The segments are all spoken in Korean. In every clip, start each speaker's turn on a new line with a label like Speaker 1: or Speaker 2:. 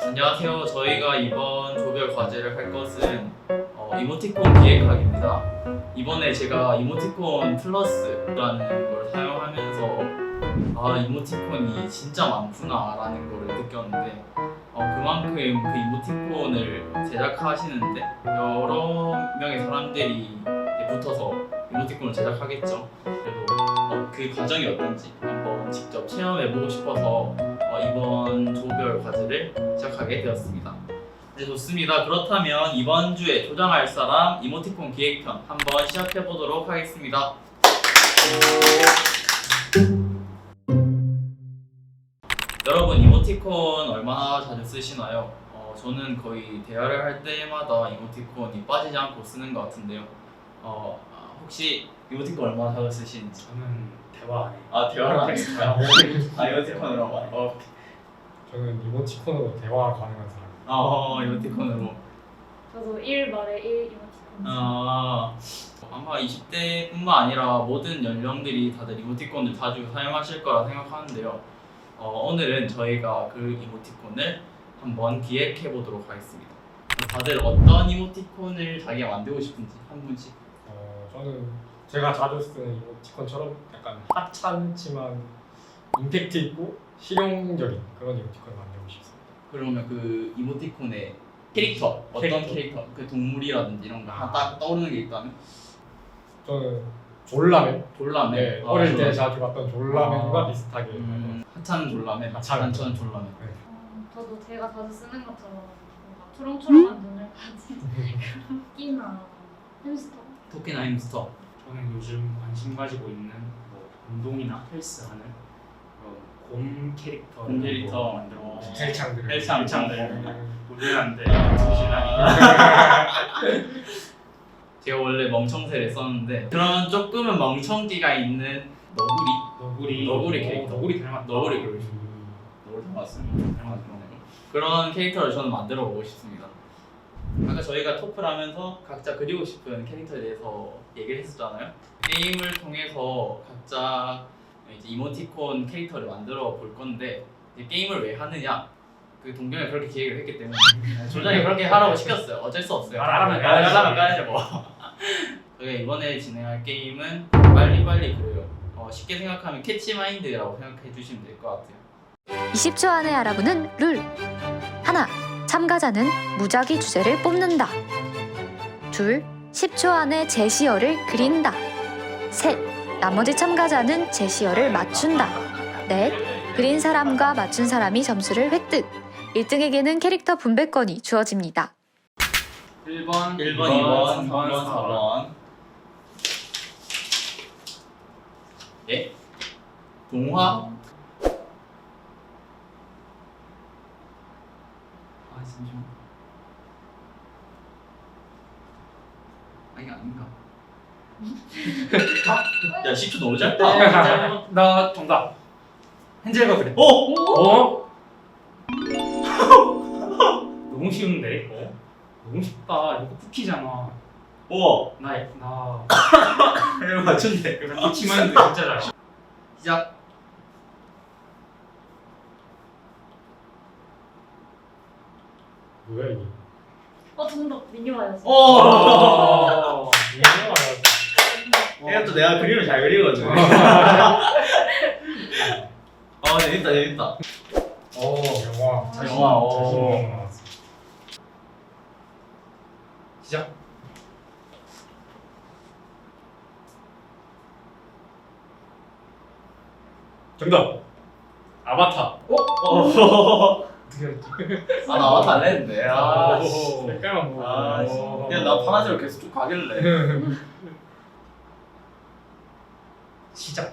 Speaker 1: 안녕하세요. 저희가 이번 조별 과제를 할 것은 이모티콘 기획학입니다. 이번에 제가 이모티콘 플러스라는 걸 사용하면서 이모티콘이 진짜 많구나라는 걸 느꼈는데 그만큼 그 이모티콘을 제작하시는데 여러 명의 사람들이 붙어서 이모티콘을 제작하겠죠. 그래도 그 과정이 어떤지 한번 직접 체험해보고 싶어서 이번 조별 과제를 시작하게 되었습니다. 네, 좋습니다. 그렇다면 이번 주에 조장할 사람 이모티콘 기획편 한번 시작해보도록 하겠습니다. 여러분 이모티콘 얼마나 자주 쓰시나요? 저는 거의 대화를 할 때마다 이모티콘이 빠지지 않고 쓰는 것 같은데요. 혹시 이모티콘 얼마나 자주 쓰시는지?
Speaker 2: 저는 대화 안 해요.
Speaker 1: 대화를 안 해요? 이모티콘으로만.
Speaker 3: 저는 이모티콘으로 대화 가능한 사람.
Speaker 1: 이모티콘으로.
Speaker 4: 저도 1 말에 1 이모티콘.
Speaker 1: 아마 20대뿐만 아니라 모든 연령들이 다들 이모티콘을 자주 사용하실 거라 생각하는데요. 오늘은 저희가 그 이모티콘을 한번 기획해 보도록 하겠습니다. 다들 어떤 이모티콘을 자기가 만들고 싶은지 한 분씩.
Speaker 3: 저는 제가 자주 쓰는 이모티콘처럼 약간 하찮지만 임팩트 있고 실용적인 그런 이모티콘을 만들고 싶습니다.
Speaker 1: 그러면 그 이모티콘의 캐릭터, 어떤 캐릭터? 그 동물이라든지 이런 거 하나 딱 떠오르는 게 있다면?
Speaker 3: 저는 졸라맨.
Speaker 1: 졸라맨.
Speaker 3: 네, 어릴 때 자주 봤던 졸라맨과 비슷하게.
Speaker 1: 하찮은 졸라맨,
Speaker 3: 하찮은
Speaker 1: 졸라맨.
Speaker 3: 네.
Speaker 4: 저도 제가 자주 쓰는 것처럼 뭔가 초롱초롱한 눈을 가진 토끼나 햄스터.
Speaker 1: 토끼나 햄스터.
Speaker 2: 저는 요즘 관심 가지고 있는 뭐 운동이나 헬스하는 그런 곰 캐릭터를
Speaker 1: 곰 캐릭터.
Speaker 2: 만들고 싶어요.
Speaker 3: 헬창들.
Speaker 2: 헬창들. 놀래는데 정신아니.
Speaker 1: 제가 원래 멍청새를 썼는데 그런 조금은 멍청기가 있는 너구리 캐릭터.
Speaker 2: 너구리 닮았다.
Speaker 1: 너구리 그러시. 너구리 닮았습니다. 그런 캐릭터를 저는 만들어 보고 싶습니다. 아까 저희가 토플 하면서 각자 그리고 싶은 캐릭터에 대해서 얘기를 했었잖아요. 게임을 통해서 각자 이제 이모티콘 캐릭터를 만들어 볼 건데 이제 게임을 왜 하느냐? 그 동경이 그렇게 기획을 했기 때문에 조장이 그렇게 하라고 시켰어요. 어쩔 수 없어요.
Speaker 2: 하라면
Speaker 1: 까야죠 뭐. 저희가 이번에 진행할 게임은 빨리빨리 그려요. 쉽게 생각하면 캐치마인드라고 생각해 주시면 될 것 같아요.
Speaker 5: 20초 안에 알아보는 룰. 하나, 참가자는 무작위 주제를 뽑는다. 둘, 10초 안에 제시어를 그린다. 셋, 나머지 참가자는 제시어를 맞춘다. 넷, 그린 사람과 맞춘 사람이 점수를 획득. 1등에게는 캐릭터 분배권이 주어집니다.
Speaker 2: 1번,
Speaker 1: 2번, 3번, 4번. 예? 동화? 잠시만. 이게 아닌가? 야 10초 너무 짧다.
Speaker 2: 나 정답. 헨젤과 그레텔. 너무 쉬운데? 너무 쉽다. 이거 쿠키잖아.
Speaker 1: 우와.
Speaker 2: 나
Speaker 1: 이거 맞춘대.
Speaker 2: 쿠키만인데 진짜 잘.
Speaker 1: 시작.
Speaker 3: 뭐야 이게?
Speaker 4: 정답 미니와였어.
Speaker 1: 얘가 또 내가 그림을 잘 그리거든. 재밌다.
Speaker 3: 영화.
Speaker 1: 영화,
Speaker 3: 자신 나왔어.
Speaker 2: 시작.
Speaker 3: 정답. 아바타.
Speaker 1: 나 아바타 안 했는데.
Speaker 3: 색깔만 보고.
Speaker 1: 나 파란색으로 계속 쭉 가길래.
Speaker 2: 시작.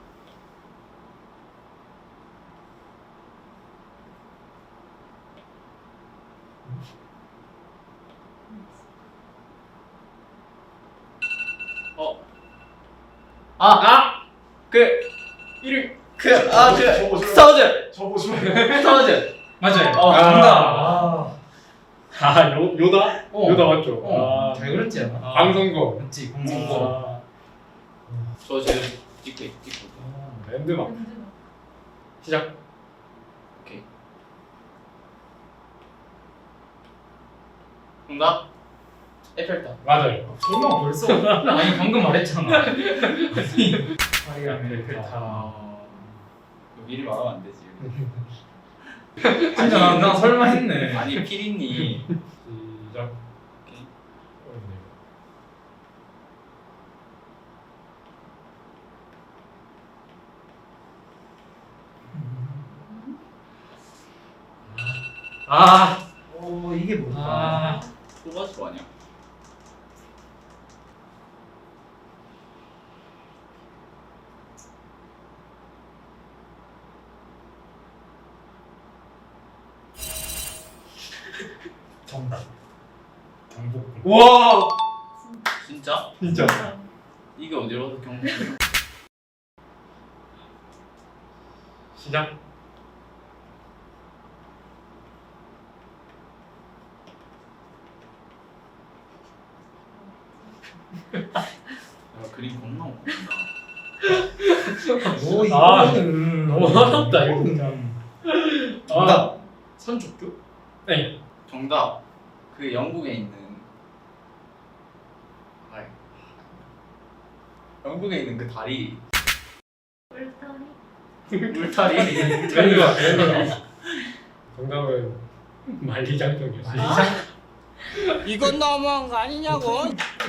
Speaker 1: 스타워즈.
Speaker 3: 저거 좀.
Speaker 1: 스타워즈.
Speaker 2: 맞아요.
Speaker 3: 정답. 요다? 요다 맞죠?
Speaker 2: 잘 그렸지 않아?
Speaker 3: 방송거.
Speaker 2: 그렇지. 공중고.
Speaker 1: 저 지금 찍고.
Speaker 3: 랜드마크. 시작.
Speaker 1: 오케이. 정답. 에펠탑.
Speaker 3: 맞아요.
Speaker 2: 설마 벌써? 아니 방금 말했잖아.
Speaker 3: 파리하면
Speaker 1: 미리 말하면 안 되지.
Speaker 2: 진짜 나 설마 했네.
Speaker 1: 아니 피디님.
Speaker 3: 시작.
Speaker 1: 오케이.
Speaker 3: 어렵네요. 아,
Speaker 2: 이게 뭘까?
Speaker 3: 아,
Speaker 1: 뽑아줄 거 아니야?
Speaker 2: 정답. 경복궁.
Speaker 3: 와,
Speaker 1: 진짜?
Speaker 3: 진짜.
Speaker 1: 이게 어디로 경북?
Speaker 3: 시작.
Speaker 1: 야 그림 겁나 못한다.
Speaker 3: 이거는 너무 어렵다 이거 진짜.
Speaker 2: 정답. 선족교?
Speaker 3: 네.
Speaker 1: 정답. 그 영국에 있는. 아이. 영국에 있는 그 다리.
Speaker 4: 울타리.
Speaker 1: 울타리.
Speaker 3: 정답은 만리장성이었어요.
Speaker 6: 이건 너무한 거 아니냐고.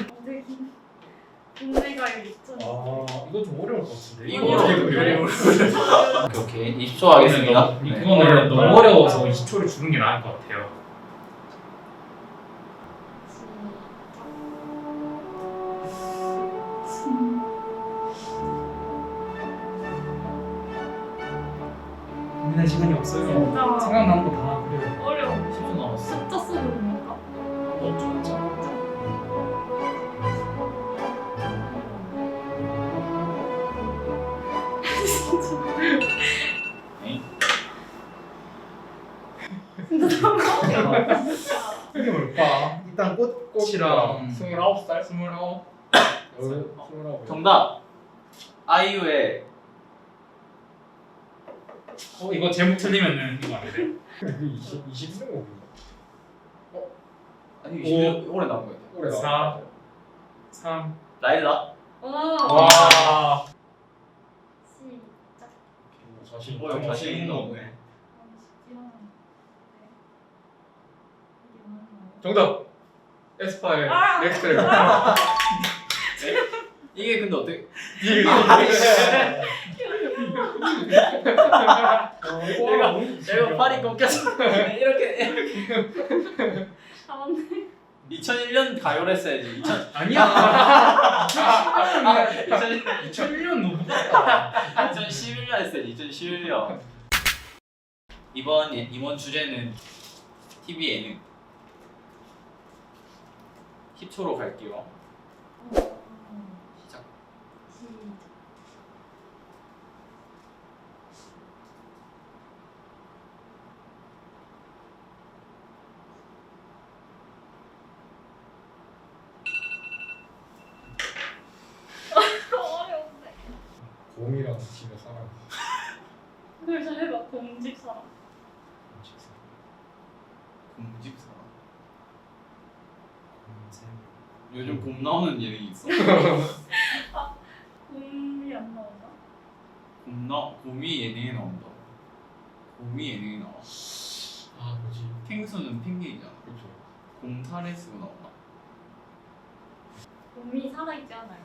Speaker 4: 국내가요 있죠.
Speaker 2: 이거 좀 어려울 것 같은데.
Speaker 1: 이거
Speaker 3: 어려워.
Speaker 1: 오케이. 20초 하겠습니다. 네.
Speaker 2: 이거는 너무 어려워서 20초를 주는 게 나을 것 같아요. 고민할 시간이 없어요.
Speaker 4: 진짜.
Speaker 2: 생각나는 거 다 그래요.
Speaker 4: 어려워.
Speaker 1: 10초 남았어.
Speaker 4: 숫자 수는니까.
Speaker 1: 진짜. 에이?
Speaker 4: 진짜 너무 어려워.
Speaker 2: 이게 뭘까? 일단 꽃이랑
Speaker 3: 29살?
Speaker 2: 29.
Speaker 3: 29.
Speaker 1: 정답. 아이유의
Speaker 2: 이거 제목 틀리면은 이거 안 돼.
Speaker 3: 그 20년 곡인가?
Speaker 1: 아니 20년 오래 나온 거야.
Speaker 3: 올해
Speaker 2: 4. 3.
Speaker 1: 라일락.
Speaker 3: 와.
Speaker 4: 시작.
Speaker 3: 자신.
Speaker 1: 어, 자신 있는 거 없네.
Speaker 3: 정답. 에스파의
Speaker 4: 아!
Speaker 3: 넥스트 레벨.
Speaker 1: 이게 근데 어떻게? 내가 팔이 꺾여서 이렇게
Speaker 4: 아 맞네.
Speaker 1: 2001년 가요를 했어야지. 2000
Speaker 2: 아니야.
Speaker 1: 2000
Speaker 2: 2001년 너무 같다.
Speaker 1: 2011년 했어야지. 2011년. 이번 주제는 TV 예능. 10초로 갈게요. 시작.
Speaker 4: 어려운데.
Speaker 3: 곰이랑 집에 살아.
Speaker 4: 그걸 잘 해봐. 공집사람.
Speaker 1: 공집사. 요즘 곰 나오는 예능이 있어.
Speaker 4: 곰이 안 나오나?
Speaker 1: 곰이 예능에 나온다. 곰이 예능에 나와.
Speaker 3: 아 뭐지?
Speaker 1: 펭수는 펭귄이잖아.
Speaker 3: 그렇죠.
Speaker 1: 곰 살에 쓰고 나오나?
Speaker 4: 곰이 살아있지 않아요.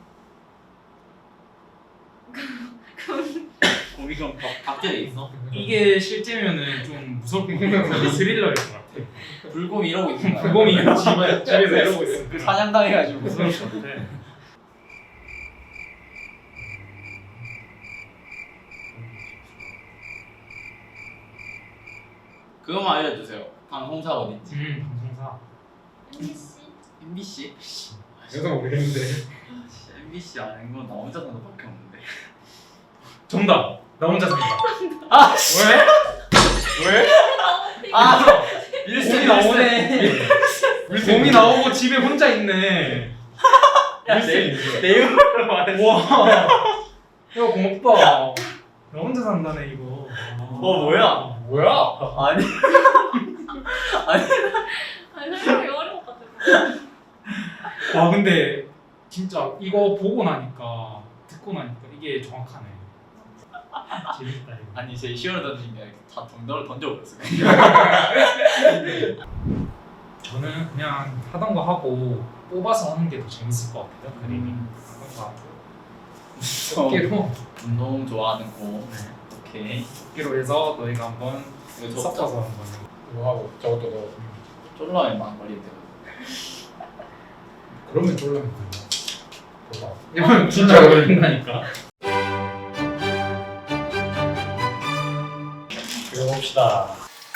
Speaker 1: 곰이 그럼 박제돼 있어?
Speaker 2: 이게 실제면은 좀 무섭고 스릴러일 것 같아.
Speaker 1: 불곰이 이러고 있는 거야.
Speaker 2: 불곰이 집에서 이러고 있어.
Speaker 1: 그 사냥당해가지고
Speaker 2: 무서울 것 같아.
Speaker 1: 그거만 알려주세요. 방송사가 어딘지.
Speaker 2: 방송사.
Speaker 4: MBC.
Speaker 1: MBC?
Speaker 3: 저도 모르겠는데.
Speaker 1: MBC 아는 건 나 혼자 사는 밖에 없는데.
Speaker 2: 정답. 나 혼자 산다.
Speaker 1: 아 씨.
Speaker 3: 왜?
Speaker 1: 아
Speaker 2: 곰이 나오네. 곰이 나오고 집에 혼자 있네.
Speaker 1: 내용을 말해.
Speaker 2: 와. 야 고맙다. 나 혼자 산다네 이거.
Speaker 1: 뭐야?
Speaker 3: 뭐야?
Speaker 1: 아니
Speaker 4: 아니 설명이 어려울 것 같아.
Speaker 2: 근데 진짜 이거 보고 나니까 듣고 나니까 이게 정확하네. 재밌다 이거.
Speaker 1: 아니 제 시원을 던진 게 아니라 다 정답을 던져버렸어요.
Speaker 2: 저는 그냥 하던 거 하고 뽑아서 하는 게 더 재밌을 것 같아요. 그림이 하던 거 하고 어깨로
Speaker 1: 운동 좋아하는 거.
Speaker 2: 네.
Speaker 1: 오케이.
Speaker 2: 어깨로 해서 너희가 한번
Speaker 1: 이거 저
Speaker 2: 섞어서 한번
Speaker 3: 이거 하고 저것도 넣어.
Speaker 1: 쫄라면 막 걸리는데.
Speaker 3: 그러면 졸라면 된다. 봐봐.
Speaker 2: 이건 진짜 어울린다니까.
Speaker 3: 그려봅시다.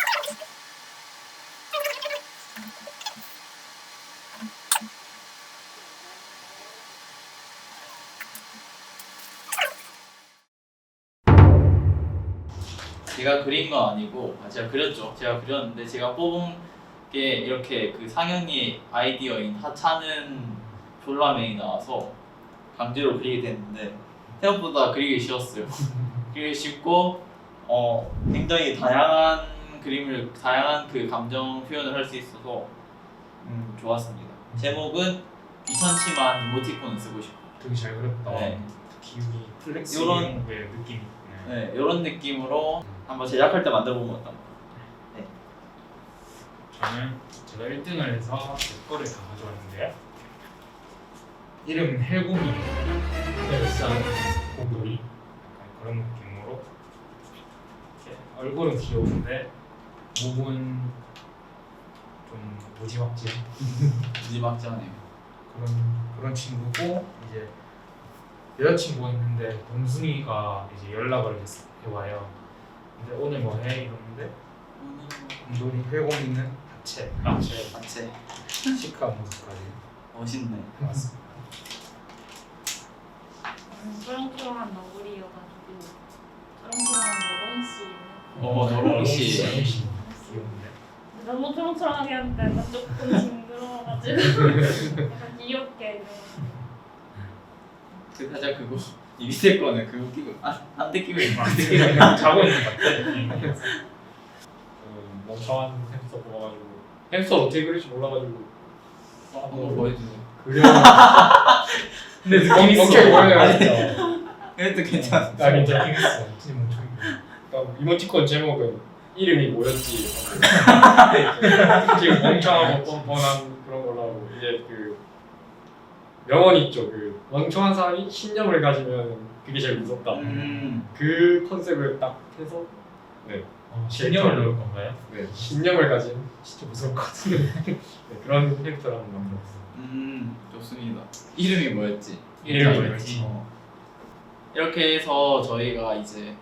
Speaker 1: 제가 그린 건 아니고 제가 그렸죠. 제가 그렸는데 제가 뽑은 게 이렇게 그 상영이 아이디어인 하찮은 졸라맨이 나와서 강제로 그리게 됐는데 생각보다 그리기 쉬웠어요. 그리기 쉽고 굉장히 다양한 그림을 다양한 그 감정 표현을 할 수 있어서 좋았습니다. 제목은 귀찮지만 이모티콘을 쓰고 싶어.
Speaker 2: 되게 잘 그렸다.
Speaker 1: 네.
Speaker 2: 기운이 플렉스
Speaker 1: 요런-
Speaker 2: 이런 거에 느낌이 있네.
Speaker 1: 네, 이런 느낌으로 한번 제작할 때 만들어 보면 어떤가.
Speaker 2: 저는 제가 1등을 해서 제 거를 다 가져왔는데요. 이름은 헬곰이 헬산 곰돌이 약간 그런 느낌으로 이렇게 얼굴은 귀여운데 목은 좀 무지막지한
Speaker 1: 무지막지하네요.
Speaker 2: 그런 친구고 이제 여자친구가 있는데 동순이가 이제 연락을 해와요. 근데 오늘 뭐 해? 이러는데 곰돌이 헬곰이는 하체
Speaker 1: 자체
Speaker 2: 시크한 모습까지
Speaker 1: 멋있네.
Speaker 2: 해왔습니다.
Speaker 4: 쩌렁쩌렁한 너구리여가지고 쩌렁쩌렁한 너롱씨.
Speaker 1: 너롱 씨.
Speaker 2: 귀여운데?
Speaker 4: 너무 초롱초롱하게 하니까 약간 조금 징그러워가지고 약간 귀엽게
Speaker 1: 그 살짝 그거 이 밑에 거는 그거 끼고 안대 끼고 있는 거
Speaker 2: 자고 있는 것 같아.
Speaker 3: 그 멍청한 햄스터 뽑아가지고 햄스터 어떻게 그릴지 몰라가지고
Speaker 1: 한번 보여주세요.
Speaker 3: 그려.
Speaker 2: 근데 느낌 있어.
Speaker 3: 멍청이 보여요 진짜.
Speaker 1: 그래도 괜찮아.
Speaker 3: 아 괜찮아.
Speaker 2: 느낌 있어. 진짜 멍청이.
Speaker 3: 그러니까 이모티콘 제목은 이름이 뭐였지? 지금 멍청하고 뻔뻔한 그런 걸로 하고 이제 그 명언 있죠. 그 멍청한 사람이 신념을 가지면 그게 제일 무섭다. 그 컨셉을 딱 해서
Speaker 2: 신념을 넣을 건가요?
Speaker 3: 네, 신념을 가진 진짜 무서울 것 같은데 네, 그런 캐릭터를 한번 만들었어요.
Speaker 1: 좋습니다. 이름이 뭐였지?
Speaker 2: 이름이 뭐였지?
Speaker 1: 이렇게 해서 저희가 이제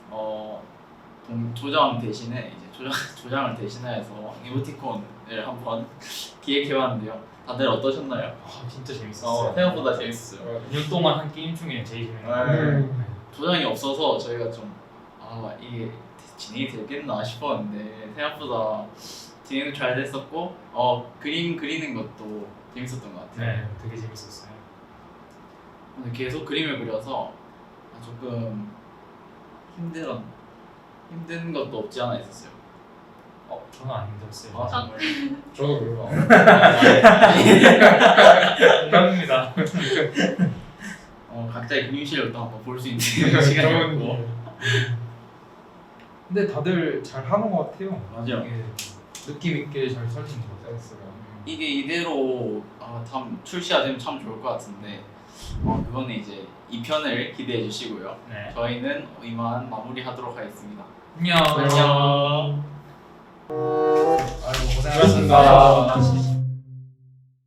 Speaker 1: 조장 대신에 이제 조장을 대신해서 이모티콘을 한번 기획해봤는데요. 다들 어떠셨나요?
Speaker 2: 아 진짜 재밌었어요.
Speaker 1: 생각보다 재밌었어요.
Speaker 2: 2년 동안 한 게임 중에 제일 재밌는 거.
Speaker 3: 음.
Speaker 1: 조장이 없어서 저희가 좀 이게 진행이 되겠나 싶었는데 생각보다 진행도 잘 됐었고 그림 그리는 것도 재밌었던 것 같아요.
Speaker 2: 네, 되게 재밌었어요.
Speaker 1: 근데 계속 그림을 그려서 조금 힘든 것도 없지 않아 있었어요.
Speaker 2: 저는 안 힘들었어요.
Speaker 1: 정말.
Speaker 3: 저도 그래요.
Speaker 2: 감사합니다.
Speaker 1: 각자의 그림 실력도 한번 볼 수 있는 시간이었고.
Speaker 2: 근데 다들 잘 하는 것 같아요.
Speaker 1: 맞아요.
Speaker 2: 이게 느낌 있게 잘 살리는 것 같아요.
Speaker 1: 이게 이대로 출시가 되면 참 좋을 것 같은데 그거는 이제 2편을 기대해 주시고요.
Speaker 2: 네.
Speaker 1: 저희는 이만 마무리하도록 하겠습니다.
Speaker 2: 안녕.
Speaker 1: 안녕.
Speaker 2: 아이고
Speaker 3: 고생하셨습니다.